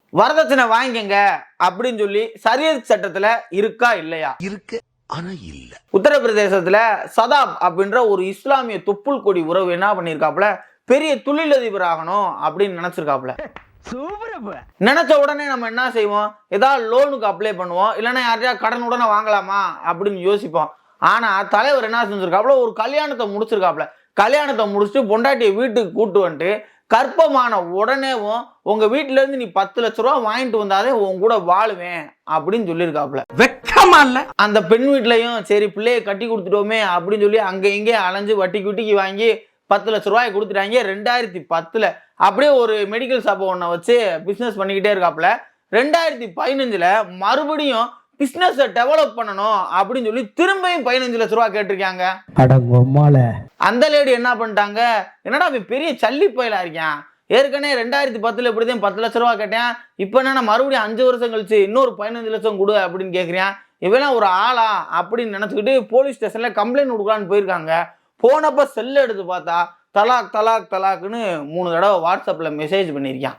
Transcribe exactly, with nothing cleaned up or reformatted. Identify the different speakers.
Speaker 1: வரதட்சணை வாங்கிக்கங்க அப்படின்னு சொல்லி சரியத் சட்டத்துல இருக்கா இல்லையா?
Speaker 2: இருக்கு, ஆனா இல்ல.
Speaker 1: உத்தரப்பிரதேசத்துல சதாப் அப்படின்ற ஒரு இஸ்லாமிய தொப்புள் கொடி உறவு என்ன பண்ணிருக்காப்ல, பெரிய தொழிலதிபர் ஆகணும் அப்படின்னு நினைச்சிருக்காப்ல. நினைச்ச உடனே நம்ம என்ன செய்வோம், ஏதாவது லோனுக்கு அப்ளை பண்ணுவோம், இல்லைன்னா யாரையா கடன் உடனே வாங்கலாமா அப்படின்னு யோசிப்போம். ஆனா தலைவர் என்ன செஞ்சிருக்காப்ல, ஒரு கல்யாணத்தை முடிச்சிருக்காப்ல. கல்யாணத்தை முடிச்சுட்டு பொண்டாட்டியை வீட்டுக்கு கூட்டு வந்துட்டு கற்பமான உடனேவும் உங்க வீட்டுல இருந்து நீ பத்து லட்ச ரூபா வாங்கிட்டு வந்தாதே உன் கூட வாழுவேன் அப்படின்னு சொல்லியிருக்காப்ல.
Speaker 3: வெக்கமா இல்ல?
Speaker 1: அந்த பெண் வீட்லயும் சரி பிள்ளையை கட்டி கொடுத்துட்டோமே அப்படின்னு சொல்லி அங்க இங்கே அலைஞ்சு வட்டி குட்டிக்கு வாங்கி பத்து லட்ச ரூபாய் கொடுத்துட்டாங்க. ரெண்டாயிரத்தி பத்துல அப்படியே ஒரு மெடிக்கல் ஷாப் ஒன்றை வச்சு பிசினஸ் பண்ணிக்கிட்டே இருக்காப்ல. ரெண்டாயிரத்தி பதினஞ்சுல மறுபடியும் பிசினஸ் டெவலப் பண்ணணும் அப்படின்னு சொல்லி திரும்பியும் பதினஞ்சு லட்ச ரூபாய் கேட்டிருக்காங்க. அந்த லேடி என்ன பண்ணிட்டாங்க, என்னடா பெரிய சல்லி பயிலா இருக்கான், ஏற்கனவே ரெண்டாயிரத்தி பத்துல இப்படிதான் பத்து லட்ச ரூபா கேட்டேன், இப்ப என்ன மறுபடியும் அஞ்சு வருஷம் கழிச்சு இன்னொரு பதினஞ்சு லட்சம் கொடு அப்படின்னு கேட்கிறேன், இவெல்லாம் ஒரு ஆளா அப்படின்னு நினைச்சுக்கிட்டு போலீஸ் ஸ்டேஷன்ல கம்ப்ளைண்ட் கொடுக்கலான்னு போயிருக்காங்க. போனப்ப செல்ல எடுத்து பார்த்தா தலாக் தலாக் தலாக்னு மூணு தடவை வாட்ஸ்அப்ல மெசேஜ் பண்ணியிருக்கான்.